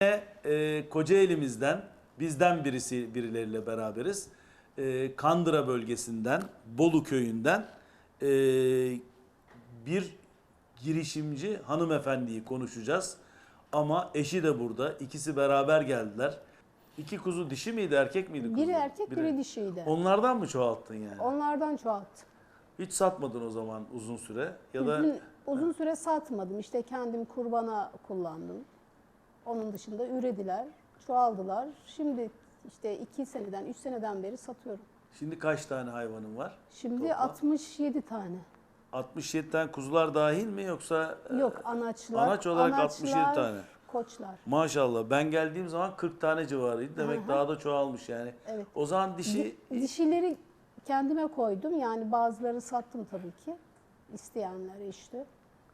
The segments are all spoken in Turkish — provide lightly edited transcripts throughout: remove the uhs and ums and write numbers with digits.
Kocaeli'mizden bizden birileriyle beraberiz. Kandıra bölgesinden, Bolu köyünden bir girişimci hanımefendiyi konuşacağız. Ama eşi de burada. İkisi beraber geldiler. İki kuzu dişi miydi, erkek miydi kuzu? Biri erkek, biri dişiydi. Onlardan mı çoğalttın yani? Onlardan çoğalttım. Hiç satmadın o zaman uzun süre ya da Uzun süre satmadım. İşte kendim kurbana kullandım. Onun dışında ürediler, çoğaldılar. Şimdi işte 2 seneden, 3 seneden beri satıyorum. şimdi kaç tane hayvanın var? Şimdi Toplam? 67 tane. 67 tane kuzular dahil mi yoksa Yok, anaçlar. anaç olarak anaçlar, 67 tane. Koçlar. Maşallah. Ben geldiğim zaman 40 tane civarıydı. Demek daha da çoğalmış yani. Evet. O zaman dişi Dişileri kendime koydum. Yani bazıları sattım tabii ki. İsteyenler işte.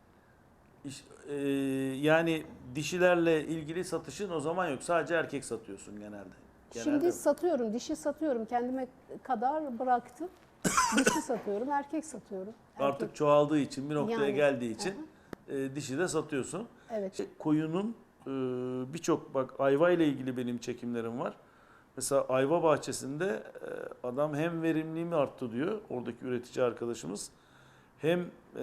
yani dişilerle ilgili satışın o zaman yok. Sadece erkek satıyorsun genelde. Şimdi satıyorum, dişi satıyorum. Kendime kadar bıraktım. Dişi satıyorum, erkek satıyorum. Artık çoğaldığı için, bir noktaya Yani, geldiği için dişi de satıyorsun. Evet. Koyunun birçok, bak, ayva ile ilgili benim çekimlerim var. Mesela ayva bahçesinde adam hem verimliliğimi arttı diyor, oradaki üretici arkadaşımız. Hem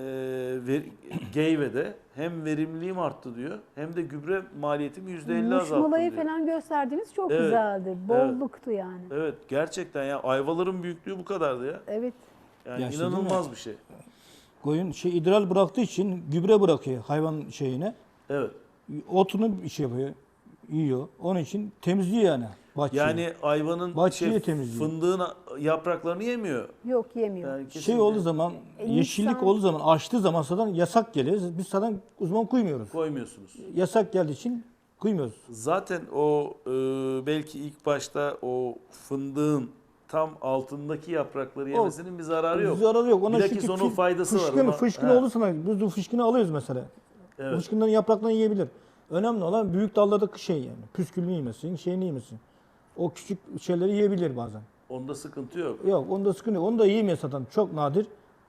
Geyve'de hem verimliliğim arttı diyor, hem de gübre maliyetimi %50 azalttım Muşmulayı diyor. falan gösterdiğiniz çok Evet, güzeldi. Bolluktu yani. Evet, gerçekten ya, ayvaların büyüklüğü bu kadardı ya. Evet. Yani Ya şey değil inanılmaz mi? bir şey. Koyun idrar bıraktığı için gübre bırakıyor hayvan şeyine. Evet. Otunu bir şey yapıyor, yiyor. Onun için temizliyor yani bahçeyi. Yani ayvanın Bahçeyi temizliyor. fındığın yapraklarını yemiyor. Yok yemiyor. Yani Şey kesinlikle olduğu zaman, yeşillik İnsan- olduğu zaman, açtığı zaman zaten yasak geliyor. Biz zaten uzman koymuyoruz. koymuyorsunuz. Yasak geldiği için koymuyoruz. Zaten o belki ilk başta o fındığın tam altındaki yaprakları yemesinin bir zararı yok. Zararı yok. Ona Bilakis çünkü onun faydası var. fışkın, Ona- fışkın He. olursa biz bu fışkını alıyoruz mesela. Evet. Fışkından yapraklarını yiyebilir. Önemli olan büyük dallardaki şey yani. Püskülünü yemesin, şeyini yemesin. O küçük şeyleri yiyebilir bazen. Onda sıkıntı yok. Yok, onda sıkıntı yok. Onu da yiyemiyor zaten. Çok nadir.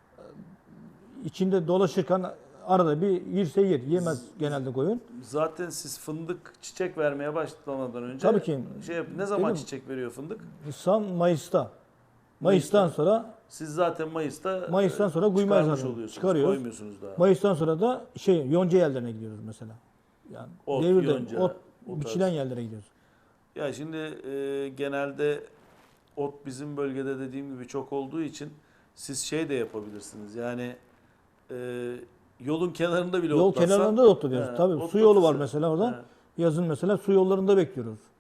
İçinde dolaşırken arada bir yerse yer. Yemez genelde koyun. Zaten siz fındık çiçek vermeye başlamadan önce Tabii ki. ne zaman Dedim. çiçek veriyor fındık? Nisan, Mayıs'ta. Mayıs'tan sonra Siz zaten Mayıs'ta sonra kuymayı çıkarmış zaten oluyorsunuz. çıkarıyoruz. Koymuyorsunuz daha. Mayıs'tan sonra da yonca yerlerine gidiyoruz mesela. Yani Ot, devirde yonca, ot o tarz. biçilen yerlere gidiyoruz. Ya şimdi genelde ot bizim bölgede dediğim gibi çok olduğu için siz şey de yapabilirsiniz. Yani yolun kenarında bile Yol otlatsan. kenarlarında da otluyoruz. He, Tabii su otlatırsın. yolu var mesela orada. He. Yazın mesela su yollarında bekliyoruz.